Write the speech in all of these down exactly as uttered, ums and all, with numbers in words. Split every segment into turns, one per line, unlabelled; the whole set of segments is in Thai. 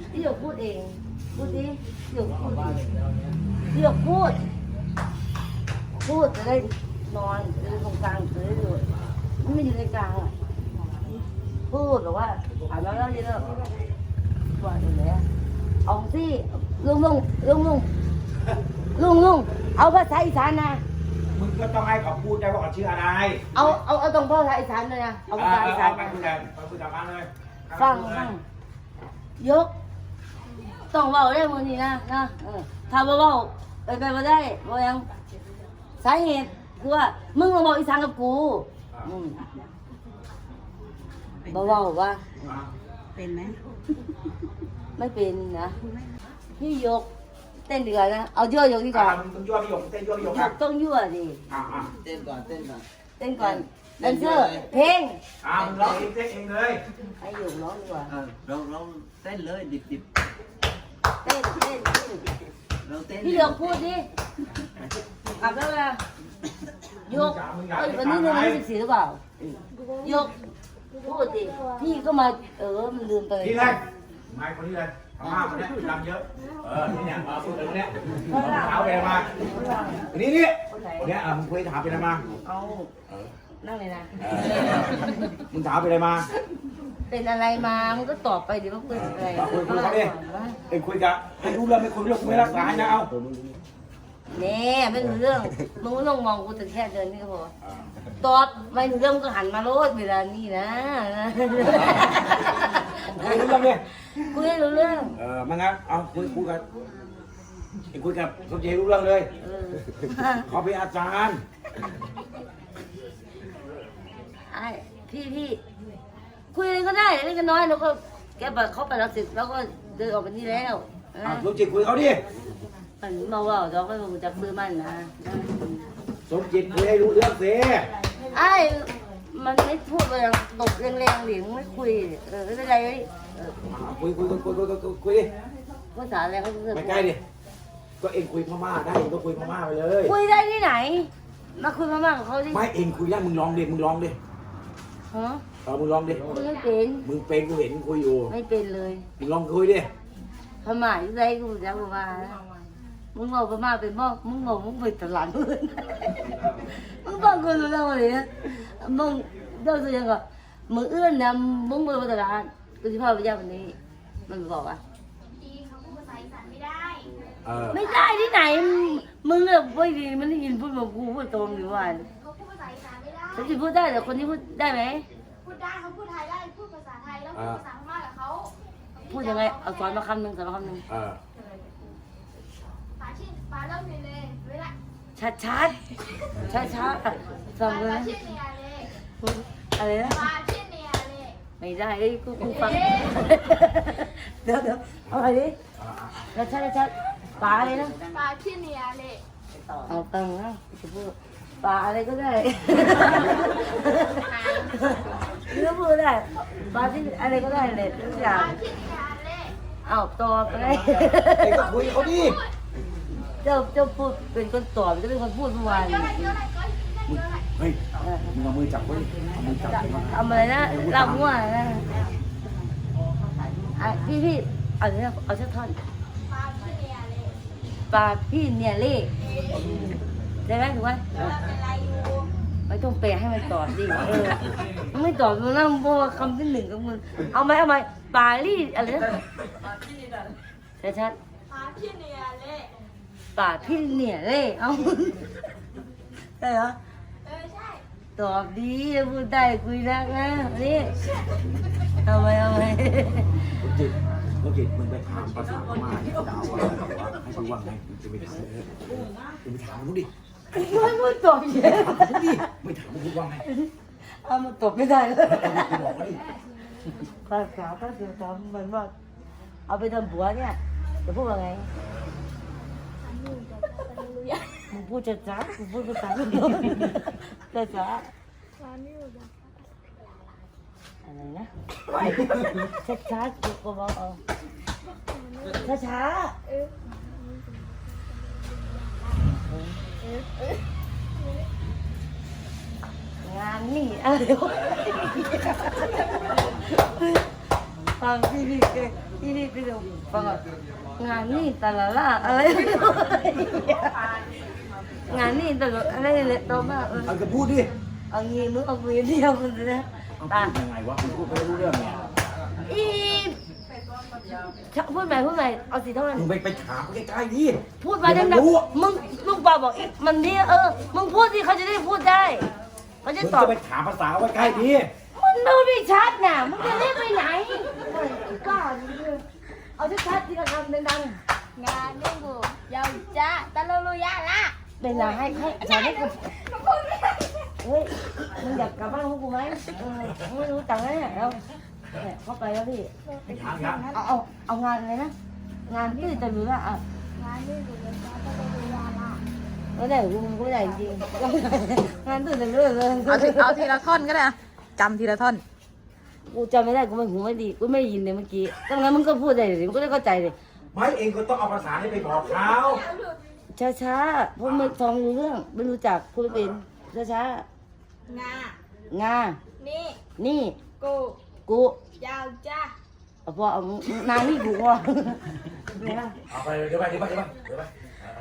พี่หยกพูดเองพูดดิพี่หยกพูดพี่หยกพูดพูดจะได้นอนจะได้ตรงกลางจะได้ดูไม่อยู่ในกลางอ่ะพูดหรือว่าอ่านแล้วแล้วนี่แล้วว่าอยู่ไหนเอาสิลุงลุงลุงลุงลุงลุงเอาภาษาอีสานนะ
มึงก็ต้องให้เขาพูดได้ว่าเขาชื่ออะไร
เอาเอาเอาตรงภาษาอีสานเลยนะเอาภาษาอีสาน
ไปคุยกันไปคุยกันเลย
ฟังฟังยกต้องเบาได้มือนี้นะนะถ้าเบาไปไปมาได้บ่ยังสาเหตุคือว่ามึงมาบอกอีสานกับกูเบาเบาว่า
เป็นไหม
ไม่เป็นนะพี่ยกเต้นดีกว่านะเอายั่วยกดีกว่า
ต้องยั่วพี่ยกเต้นยั่วพี่ยก
ต้องยั่วดิ
เต้นก่อนเต้นก่อน
เต้นก่อนแดนเซอร์เพลง
อ่ามึงร้องเองเต้นเองเลย
ไอ้หยกร้องดีกว่า
เราเราเต้นเลยดิบดิบ
เต้นเต้น
เราเต้น
พี่ยกพูดดิกลับแล้วนะยกเอ้ยวันนี้เดือนที่สิบสี่หรือเปล่ายกพูดดิพี่ก็มาเออมันลืมไป
นี่เลยไม่คนนี้เลยทำห้าคนนี้รำเยอะเออนี่เนี่ยพูดถึงเนี่ยเท้าไปมานี่นี่เนี่ยมึงคุยถามไปอะไรมา
เอานั่งเลยนะ
มึงถามไปอะไรมา
เป็นอะไรมามึงก็ตอบไปดิว่าเป็นอะไร
คุยคุยเขาดิเอ็งคุยกับให้รู้เรื่องไม่คุยเรื่องไม่รักษานะเอา
เน่ไม่รู้เรื่องมึงไม่ต้องมองกูแต่แค่เดินนี่ก็พอตอบไม่รู้เรื่องก็หันมาโลดเวลานี่นะ
คุยรู้เรื่องเนี่ย
คุยรู้เรื่อง
เออมางั้นเอาคุยคุยกันคุยกับสมเจรู้เรื่องเลยเขาเป็นอาจารย์
ไอ้พี่พี่คุยอะไรก็ได้เล็กน้อยแล้วก็แกไปเขาไปแล้วเสร็จแล้วก็เดินออกไปนี่แล้ว
สมจิตคุยเขาดิ
มันมาว่าเราไม่รู้จักซื้อมันนะ
สมจิตคุยให้รู้เรื่องสิ
ไอ้มันไม่พูดเลยตบแรงๆหรือไม่คุยเออไม่เป็นไรเลย
คุยคุยคุยคุยคุยคุยดิ
ภาษาอะไรเขาจะ
ไปใกล้ดิก็เองคุยพม่าได้เองก็คุยพม่าไปเลย
คุยได้ที่ไหนมาคุยพม่ากับเขาดิ
ไม่เองคุยได้มึงลองดิมึงลองดิ
ฮะ
เออมึงลองดิ
มึงไม่เป็น
มึงเป็นกูเห็นคุยอยู่
ไม่เป็นเลย
มึงลองคุยดิ
พม่าอยู่ไหนกูจะพม่ามึงบอกพม่าเป็นบ้องมึงบอกมึงเป็นตลาดมึงมึงบ้องกูรู้แล้วเลยนะมึงเดี๋ยวจะยังไงมึงเอื้อนนะมึงเป็นตลาดกูจะพาไปย่าวันนี้มันบอกว่า
ดีเขาพูดภาษาอีสานไม่ได้
ไม่ได้ที่ไหนมึงเนี่ยไม่ดีมันได้ยินพูดแบบกูพูดตรงอยู่วัน
เขาพูดภาษาอีสานไม่ได้
เขาจะพูดได้แต่คนที่พูดได้ไหม
พูดได้เขาพูดไทยได้พูดภาษาไทยแล้วพูดภาษาพม่ากับเขา
พูดยังไงเอาสอนมาคำหนึ่งสอนมาคำหนึ่ง
ปาชินปาเริ่มเลยเลยเวลา
ชัดชัดชัดชัดสอนเลยอะไรนะ
ปาชินเนียเลย
ไม่ได้ไอ้กูกูฟังเดี๋ยวเดี๋ยวเอาอะไรดิชัดชัดชัดปลาอะไรนะ
ปาชินเนียเลย
เอาตังค์นะจะพูดปลาอะไรก็ได้เรื่องพูดได้ปลาที่อะไรก็ได้เลยทุกอย่างเอาตอบไปเลย
เอ็งก็คุยเขาดิ
เจ้าเจ้าพูดเป็นคนตอบจะเป็นคนพูดเมื่อวาน
เฮ้ยมึงเอามือจับไว้เอามือจับ
ทำอะไรนะเรามั่วนะพี่พี่เอาเนี้ยเอาเชือกท่อนปลาพี่เนี่ยเล่ได้ไหมถูกไหมไม่ต้องแปลให้มันตอบดิเออมันไม่ตอบมันนั่งโบ้คำที่หนึ่งกับมึงเอาไหมเอาไหมปลาลี่อะไรนะชัดชัด
ปลาพี่เนี่ยเล่
ปลาพี่เนี่ยเล่เอาได้เหรอ
เออใช่
ตอบดีพูดได้คุยได้นะนี่เอาไหมเอาไหม
จิตโอเคมึงไปถามภาษาพม่าที่ดาวว่าให้กูว่าไงมึงจะไปถามมึงไปถามมึงดิ
ไม่พูดตอบเยอะ
ดิไม่ถามมึงว่าไง
เอามาตอบไม่ได้เลยภาษาภาษาทำมันว่าเอาไปทำผัวเนี่ยจะพูดว่าไงมึงพูดจะจ้ามึงพูดภาษาจะจ้าอะไรนะช้าช้ากูก็บอกเอาช้าช้างานนี่อะไรวะฟังที่นี่ที่นี่ที่เดียวฟังงานนี่ตลาดละอะไรงานนี่ตลาดอะไรเลยโตมากเออ
เอาก็พูดดิ
เอางี้มึงเอาคุยเดียวกันนะ
เอา
ตา
พูดยังไงวะมึงพูดไม่รู้เรื่องเนี่ย
อีพูดใหม่พูดใหม่เอาสีเท่านั้น
มึงไปไปถามใกล้ๆดิ
พูดมาดังๆมึงลูกปลาบอกอีกมันเนี่ยเออมึงพูดสิเขาจะได้พูดได้เขาจะ
มึง
ตอบ
จะไปถามภาษาไว้ใกล้ดิ
มันดูไม่ชัดน่ะมึงจะเล่นไปไหนกล้าเอาชัดๆที่เราทำดัง
งานนี่กูยาวจ้าตะลุลุยาละ
ๆเป็นไรให้ให้อาจารย์ให้กูเฮ้ยมึงอยากกลับบ้านของกูไหมเออไม่รู้ตังค์แล้วเนี่ยแล้วเนี่ยเข้าไปแล้วพี่
ยังยัง
เอาเอาเอางานอะไรนะงานที่จะรู้ว่าอ่ะ
งานนี่กูยาวจ้าตะลุลุยาละ
ไม่ได้กูกูไม่ได้จริงงานตื่นเต้นเลยเลย
เอาทีเอาทีละท่อนก็ได้อะจำทีละท่อน
กูจำไม่ได้กูไม่หูไม่ดีกูไม่ยินเลยเมื่อกี้ดังนั้นมึงก็พูดได้เลยมึงก็ได้เข้าใจเลย
ไม่เองก็ต้องเอาภาษานี้ไปบอกเขา
ช้าช้าๆเพราะไม่ฟังรู้เรื่องไม่รู้จักพูดไม่เป็นช้าช้าง
า
ๆงา
นี่
นี่
กู
กู
ยาวจ้า
เอาพอเอานางนี่กูว่ะเนี่ย
เอาไปเดี๋ยวไปเดี๋ยวไปเดี๋ยวไปเดี๋ยวไป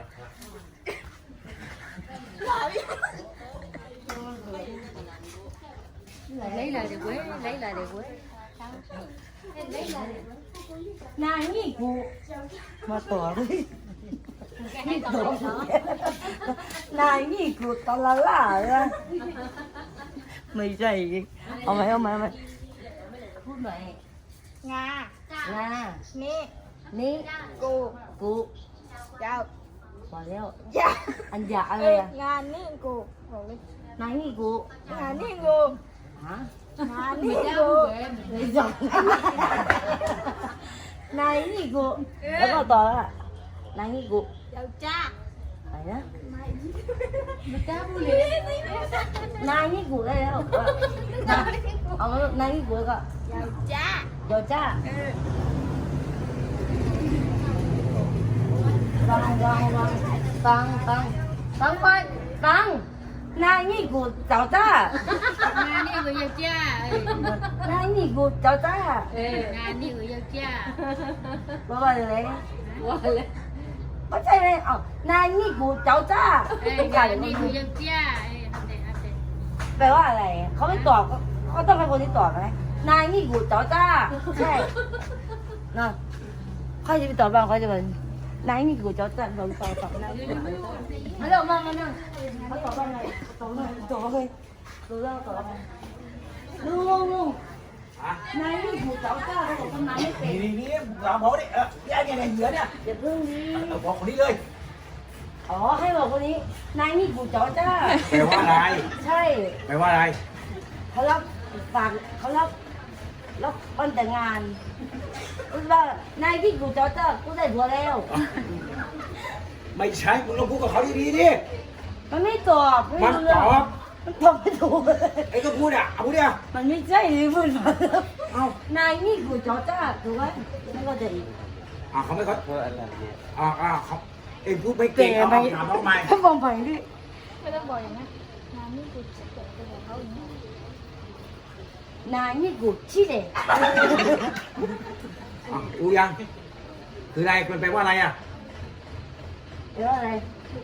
lấy lời để quế lấy lời để quế nangนี่กูมาต่อเลยนี่ต่อนายนี่กูตอนละล่าเลยไม่ใช่เอาไหมเอาไหมเอาไหมพูดหน่อย
งาง
า
นี่
นี่
กู
กู
ยาว
พอแล้ว
จ้า
อันยาอะไรอะ
งานนี่กูบอกเลย
นายนี่กู
งานนี่กู
ฮะ
งานนี่กู
ไม่ใช่นายนี่กูแล้วก็ต่อละนายนี่กู
ยาวจ้า
อะไรนะ
ไม่กล้าพูดเลย
นายนี่กูได้แล้วเอามานายนี่กูก็
ยาวจ้า
เดี๋ยวจ้า
เออ
ฟังฟังฟังฟังฟังฟังไปฟังนายนี่กูเจ้าจ้าง
านนี่กูยาวจ้าเอ้ย
นายนี่กูเจ้าจ้า
เอองานนี่กูยาวจ้า
ว่าว่าอะไร
ว่าเลย
ไม่ใช่เลยเอ้านายนี่กูเจ้าจ้า
เอ้ยงานนี่กูยาวจ้าเอ้ยทำเด็ดทำเด็ด
แปลว่าอะไรเขาไม่ตอบก็เขาต้องเป็นคนที่ตอบไหมนายนี่กูเจ้าจ้าใช่เนาะเขาจะไปตอบบ้างเขาจะเป็นนายนี่กูเจ้าจ้าลองตอบตอบนายนี่กูเจ้าจ้ามาเร็วมามานั่งเขาตอบว่าไงตอบเลยตอบเลยดูแล้วตอบว่าไงลุงลุงลุง
อ่ะ
นายนี่กูเจ้าจ้าเขาบอกทำนายไม่เป็น
นี่นี่นี่เราบอกดิเออเนี่ยเนี่ยเหยื่อเนี่ย
อย่าเพิ่งนี้
เออบอกคนนี้เลย
อ๋อให้บอกคนนี้นายนี่กูเจ้าจ้า
แปลว่าอะไร
ใช่
แปลว่าอะไร
เขารับฝากเขารับรับวันแต่งงานพูดว่านายที่กูเจ้าเจ้ากูได้ผัวแล้ว
ไม่ใช่มึงต้องพูดกับเขาดีๆดิ
มันไม่ตอบไม่
มัน
รู้
ต
เรื่อง
อบ
มันตอบไม่ถูก
ไอ้ก็พูดอ่ะเอาพูดดิอ่ะ
มันไม่ใช่ที่พูดมา
เอา
นายนี่กูเจ้าเจ้าถูกไหมไม่ก็จะอีก
อ่ะเขาไม่เขาอ่าอ่าเขาเอ็งพูดไม่เก่งเอาถามเขาใหม่
ถ้ามองไปดิ
ไม่ต้องบอกอย่างนั้นงานนี่กูจะเกิดเป็นของเขาอย่างนี้
นายนี่กูชี้เด็ก
อ่ะรู้ยัง คืออะไรมันแปลว่าอะไรอ่ะ
เดี๋ยวอะไร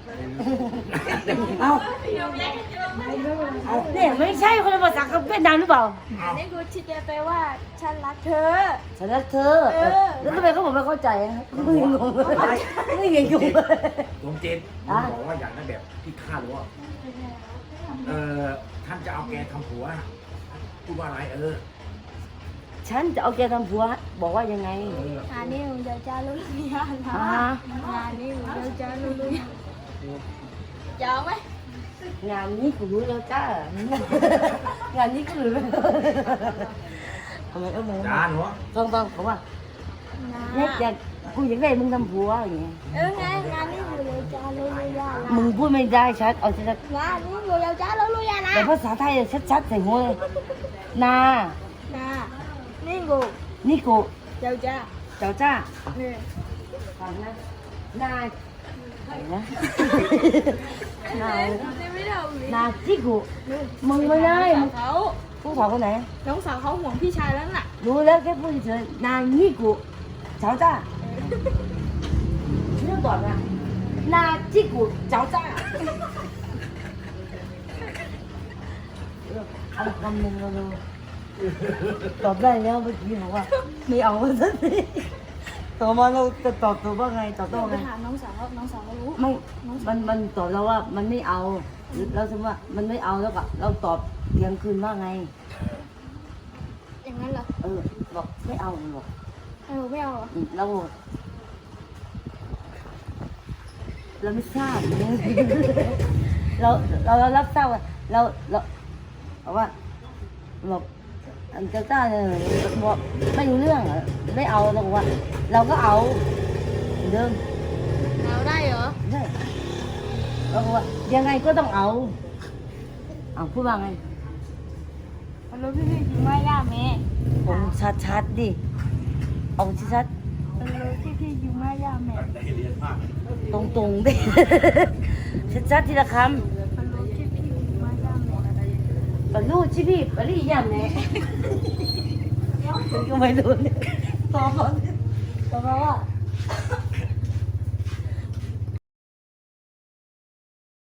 เอา
เอาเนี่ยไม่ใช่คนละภาษากับเวียดนามหรือเปล่า
งานนี่กูชี้แปลว่าฉันรักเธอ
ฉันรักเธอ
เออ
แล้วทำไมเขาบอกไม่เข้าใจอะมึงงงเลยไม่เห็นงงเลย
ดวงเจนบอกว่าอย่างนั้นแบบที่คาดว่าเออท่านจะเอาแกทำผัวพูดว่าอะไรเออ
ฉันจะเอาแกทำผัวบอกว่ายังไง
งานนี่กูยาวจ้าลุลุยาละ
อ่า
งานนี่กูยาวจ้าลุลุยา ยาวไหม
งานนี้กูรู้แล้วจ้างานนี้กูรู้แล้วทำไมเออมึง
จานหัว
ฟังฟังเขาว่าเนี่ยอยากกูอยากได้มึงทำผัวอย่างเงี้ย
เออไงงานนี้กูยาวจ้าลุลุยาละ
มึงพูดไม่ได้ชัดเอาชัด
งานนี้กูยาวจ้าลุลุยาละ
แต่ภาษาไทยชัดๆใส่หัวเลยนา
นานี่กู
นี่กู
ยาวจ้า
เจ้าจ้า
เนี่ย
ฟังนะนาอะไรนะนา
นี่ไม่ได้เอาเลย
นาที่กูมึงไม่ได้มึง
เขา
ฮผู้สาวคนไหน
น้องสาวเขาห่วงพี่ชายแล้วน่ะ
รู้แล้วแค่พูดเฉยๆนางนี่กูเจ้าจ้าเรื่องก่อนนะนาที่กูเจ้าจ้าเอาคำหนึ่งเราดูตอบได้แล้วเมื่อกี้บอกว่าไม่เอาสักทีต่อมาเราจะตอบตัวว่าไงตอบตัว
ไป
ไง
ถามน้องสาวน้องสาวเขารู้
ไม่มันมันตอบเราว่ามันไม่เอาเราสมมติว่ามันไม่เอาแล้วก็เราตอบเพียงคืนว่าไง
อย่างนั้นเหรอ
เออบอกไม่เอาบอก
เออไม่เอาเหรอ
อืมเราเราไม่ทราบ เราเราเรารับทราบว่าเราเราบอกว่าบอกอันเจ้าต้าเนี่ยบอกไม่รู้เรื่องอะไม่เอาเราบอกว่า เราก็เอาเหมือนเดิม
เอาได้เหรอ
ใช่เราบอกว่ายังไงก็ต้องเอาเอาพูดว่าไง
มันรู้พี่พี่จริงไหมย่าแม่
ผมชัดๆดิเอาชัด
มันรู้พี่พี่จริงไหมย่าแม่
เรียนมาก
ๆตรงๆดิ ชัดๆทีละคำ
มันรู้พี่พี่จริงไหมย่าแม่
ปลูกชิพี่ปลียามเนี่ยก็ไม่รู้เนี่ยตอบมาตอบมาว่า